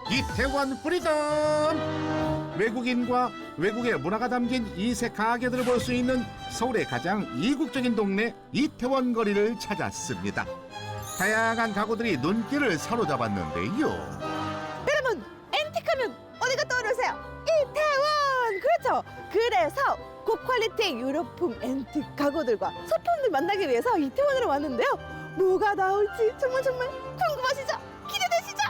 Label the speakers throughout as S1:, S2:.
S1: 이태원 프리덤. 외국인과 외국의 문화가 담긴 이색 가게들을 볼 수 있는 서울의 가장 이국적인 동네 이태원 거리를 찾았습니다. 다양한 가구들이 눈길을 사로잡았는데요.
S2: 여러분, 앤틱하면 어디가 떠오르세요? 이태원! 그렇죠. 그래서 고퀄리티 유럽풍 앤틱 가구들과 소품들 만나기 위해서 이태원으로 왔는데요. 뭐가 나올지 정말 궁금하시죠? 기대되시죠?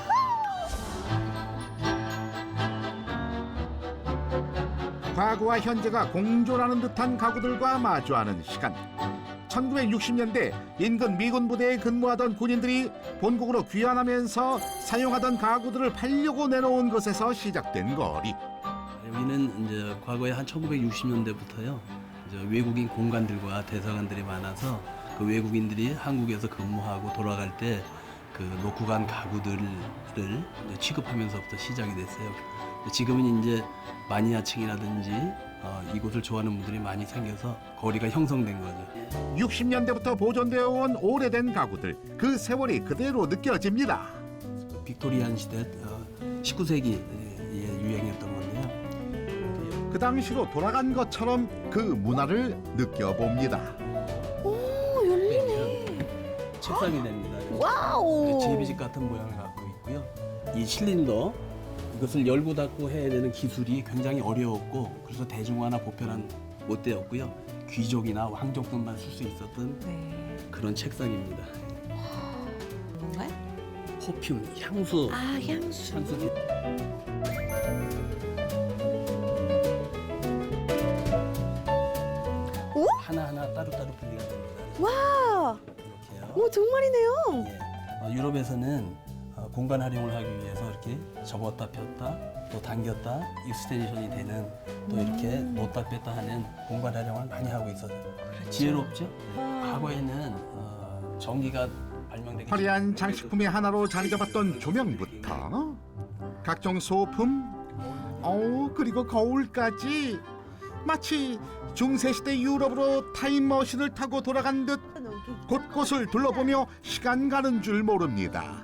S1: 과거와 현재가 공존하는 듯한 가구들과 마주하는 시간. 1960년대 인근 미군 부대에 근무하던 군인들이 본국으로 귀환하면서 사용하던 가구들을 팔려고 내놓은 것에서 시작된 거리.
S3: 여기는 이제 과거에 한 1960년대부터요. 이제 외국인 공관들과 대사관들이 많아서 그 외국인들이 한국에서 근무하고 돌아갈 때 그 놓고 간 가구들을 이제 취급하면서부터 시작이 됐어요. 지금은 이제 마니아층이라든지 이곳을 좋아하는 분들이 많이 생겨서 거리가 형성된 거죠.
S1: 60년대부터 보존되어 온 오래된 가구들. 그 세월이 그대로 느껴집니다.
S3: 빅토리안 시대 19세기에 유행했던 건데요.
S1: 그 당시로 돌아간 것처럼 그 문화를 느껴봅니다.
S2: 오, 열리네.
S3: 책상이 됩니다.
S2: 와우.
S3: 제비집 같은 모양을 갖고 있고요. 이 실린더 이것을 열고 닫고 해야 되는 기술이 굉장히 어려웠고 그래서 대중화나 보편은 못 되었고요. 귀족이나 왕족들만 쓸 수 있었던
S2: 네.
S3: 그런 책상입니다.
S2: 뭔가요?
S3: 퍼퓸, 향수.
S2: 아, 향수.
S3: 향수.
S2: 오?
S3: 하나하나 따로따로 분리가 됩니다.
S2: 와.
S3: 이렇게요.
S2: 오, 정말이네요.
S3: 예. 유럽에서는 공간 활용을 하기 위해서 이렇게 접었다 폈다 또 당겼다 익스텐션이 되는 또 이렇게 놓다 뺐다 하는 공간 활용을 많이 하고 있어요. 지혜롭죠? 과거에는 전기가 발명되기
S1: 화려한 장식품의 하나로 자리 잡았던 조명부터 각종 소품, 그리고 거울까지 마치 중세시대 유럽으로 타임머신을 타고 돌아간 듯 곳곳을 둘러보며 시간 가는 줄 모릅니다.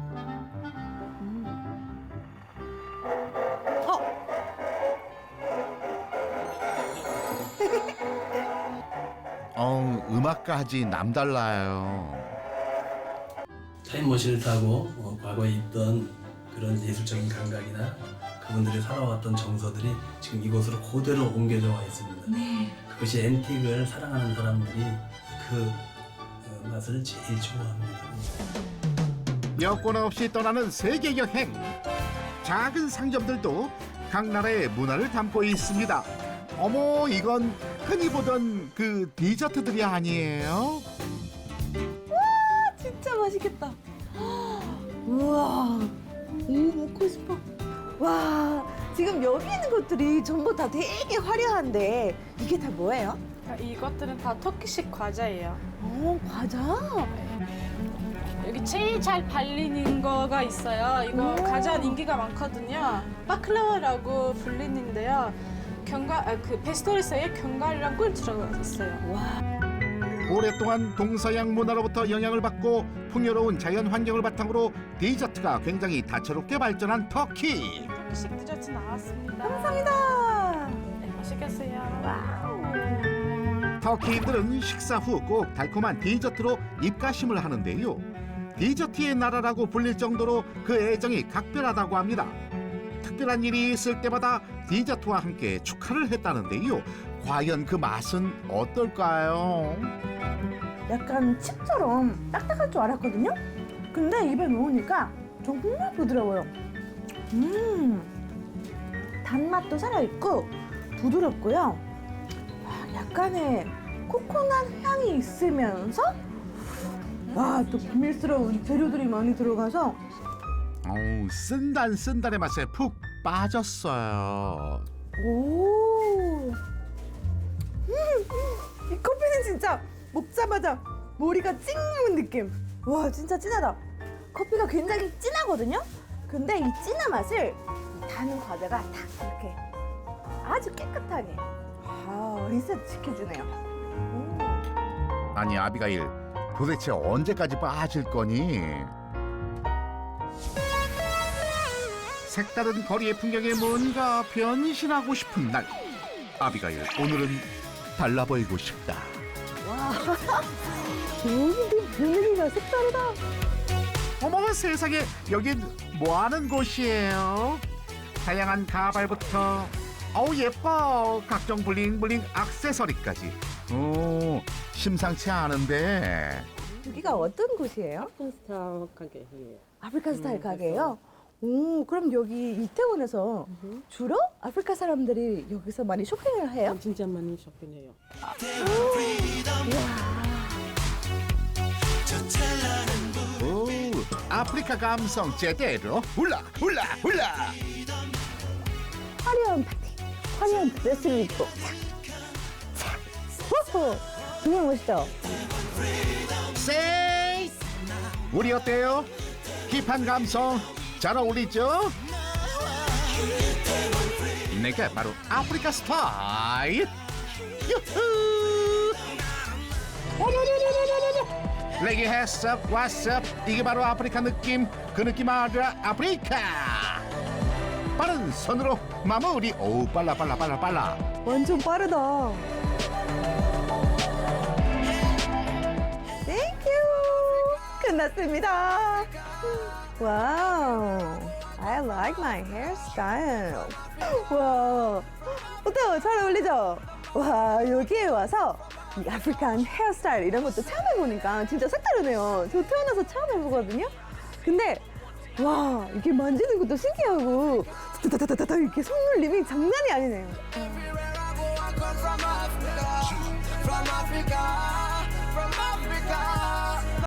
S1: 음악까지 남달라요.
S3: 타임머신을 타고 과거에 있던 그런 예술적인 감각이나 그분들이 살아왔던 정서들이 지금 이곳으로 그대로 옮겨져 와 있습니다. 그것이 앤틱을 사랑하는 사람들이 그 맛을 제일 좋아합니다.
S1: 여권 없이 떠나는 세계 여행. 작은 상점들도 각 나라의 문화를 담고 있습니다. 어머, 이건 흔히 보던 그 디저트들이 아니에요?
S2: 진짜 맛있겠다. 우와, 먹고 싶어. 와, 지금 여기 있는 것들이 전부 다 되게 화려한데 이게 다 뭐예요?
S4: 이것들은 다 터키식 과자예요.
S2: 과자?
S4: 여기 제일 잘 팔리는 거가 있어요. 이거 가장 인기가 많거든요. 바클라와라고 불리는데요. 그 페스토리스에 견과류랑 꿀 들어가 있어요.
S1: 오랫동안 동서양 문화로부터 영향을 받고 풍요로운 자연 환경을 바탕으로 디저트가 굉장히 다채롭게 발전한 터키.
S4: 터키식 디저트 나왔습니다.
S2: 감사합니다.
S4: 네, 맛있겠어요.
S1: 터키인들은 식사 후 꼭 달콤한 디저트로 입가심을 하는데요. 디저트의 나라라고 불릴 정도로 그 애정이 각별하다고 합니다. 특별한 일이 있을 때마다 디저트와 함께 축하를 했다는데요. 과연 그 맛은 어떨까요?
S2: 약간 칩처럼 딱딱할 줄 알았거든요? 근데 입에 넣으니까 정말 부드러워요. 단맛도 살아있고 부드럽고요. 약간의 코코넛 향이 있으면서 또 비밀스러운 재료들이 많이 들어가서
S1: 쓴단의 맛에 푹 빠졌어요.
S2: 이 커피는 진짜 먹자마자 머리가 찡는 느낌. 와, 진짜 진하다. 커피가 굉장히 진하거든요? 근데 이 진한 맛을 다는 과자가 딱 이렇게 아주 깨끗하게 리셋 시켜주네요.
S1: 아니, 아비가일, 도대체 언제까지 빠질 거니? 색다른 거리의 풍경에 뭔가 변신하고 싶은 날. 아비가일, 오늘은 달라 보이고 싶다.
S2: 여기 분위기가 색다르다.
S1: 어머 세상에, 여긴 뭐하는 곳이에요? 다양한 가발부터 어우 예뻐, 각종 블링블링 액세서리까지. 오, 심상치 않은데.
S2: 여기가 어떤 곳이에요?
S5: 스타일 가게예요.
S2: 아프리카 스타일 가게예요? 오, 그럼 여기 이태원에서 주로 아프리카 사람들이 여기서 많이 쇼핑을 해요?
S5: 진짜 많이 쇼핑해요.
S1: 오, 아프리카 감성 제대로. 훌라 훌라 훌라.
S2: 화려한 파티, 화려한 드레스를 입고 착, 착, 호호, 정말 멋있죠?
S1: 세이, 우리 어때요? 힙한 감성 잘 어울리죠? 내가 바로 아프리카 스타일. 유후. 레게 했어, 왔어. 이게 바로 아프리카 느낌. 그 느낌 알아? 아프리카. 빠른 손으로 마무리. 오, 빨라 빨라 빨라 빨라.
S2: 완전 빠르다. 땡큐. 끝났습니다. 와우. I like my hairstyle. 와, 어때요? 잘 어울리죠? 와, 여기에 와서 이 아프리칸 헤어스타일 이런 것도 처음 해보니까 진짜 색다르네요. 저 태어나서 처음 해보거든요. 근데 와, 이게 만지는 것도 신기하고 타타타타타 이렇게 손놀림이 장난이 아니네요.
S6: Everywhere I go, I come from Africa. From Africa.